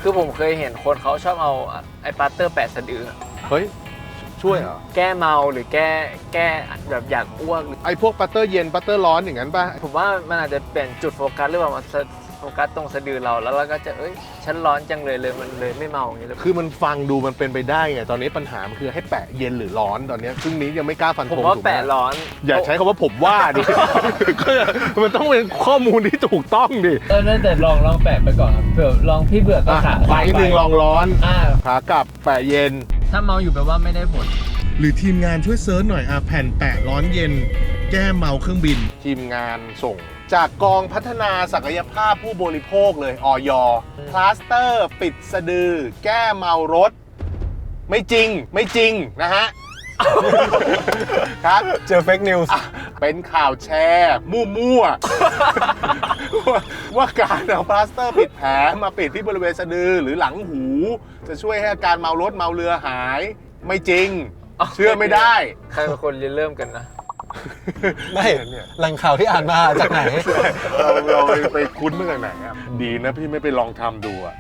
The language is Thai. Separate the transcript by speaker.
Speaker 1: คือผมเคยเห็นคนเขาชอบเอาไอ้ปาสเตอร์แปะสะดือ
Speaker 2: เฮ้ยช่วยเหรอ
Speaker 1: แก้เมาหรือแก้แบบอยากอ้วก
Speaker 2: ไอ้พวกปัตเตอร์เย็นปัตเตอร์ร้อนอย่างนั้นป่ะ
Speaker 1: ผมว่ามันอาจจะเปลี่ยนจุดโฟกัสหรือเปล่ามาโฟกัสตรงสะดือเราแล้วเราก็จะฉันร้อนจังเลยมันเลยไม่เมาอย่างนี้เลย
Speaker 2: คือมันฟังดูมันเป็นไปได้ไงตอนนี้ปัญหามันคือให้แปะเย็นหรือร้อนตอนนี้ซึ่งนี้ยังไม่กล้าฟันธ
Speaker 1: ผม
Speaker 2: ง
Speaker 1: ว่า
Speaker 2: ถูกไหม
Speaker 1: แปะร้อน
Speaker 2: อย่าใช้คำว่าผมว่าดิ มันต้องเป็นข้อมูลที่ถูกต้องดิ
Speaker 1: นั่นแต่ลองแปะไปก่อนครับเผื่อลองพี่เบื่อก็ขา
Speaker 2: ไปหนึ่งลองร้อน
Speaker 1: อ่า
Speaker 2: ขากลับแปะเย็น
Speaker 1: ถ้าเมาอยู่แปลว่าไม่ได้ผล
Speaker 2: หรือทีมงานช่วยเซิร์ชหน่อยแผ่นแปะร้อนเย็น แก้เมาเครื่องบิน ทีมงานส่ง จากกองพัฒนาศักยภาพผู้บริโภคเลยอย พลาสเตอร์ปิดสะดือ แก้เมารถ ไม่จริงนะฮะ ครับ
Speaker 3: เจอเฟกนิวส์
Speaker 2: เป็นข่าวแชร์มั่วๆ ว่าการเอาพลาสเตอร์ปิดแผลมาปิดที่บริเวณสะดือหรือหลังหู จะช่วยให้อาการเมารถเมาเรือหาย ไม่จริง เชื่อไม่ได้
Speaker 1: ใครเป็นคนเริ่มกันนะ
Speaker 3: ไม่แหล่งข่าวที่อ่านมาจากไหน
Speaker 2: เราไปคุ้นมาจากไหนครับดีนะพี่ไม่ไปลองทำดูอะ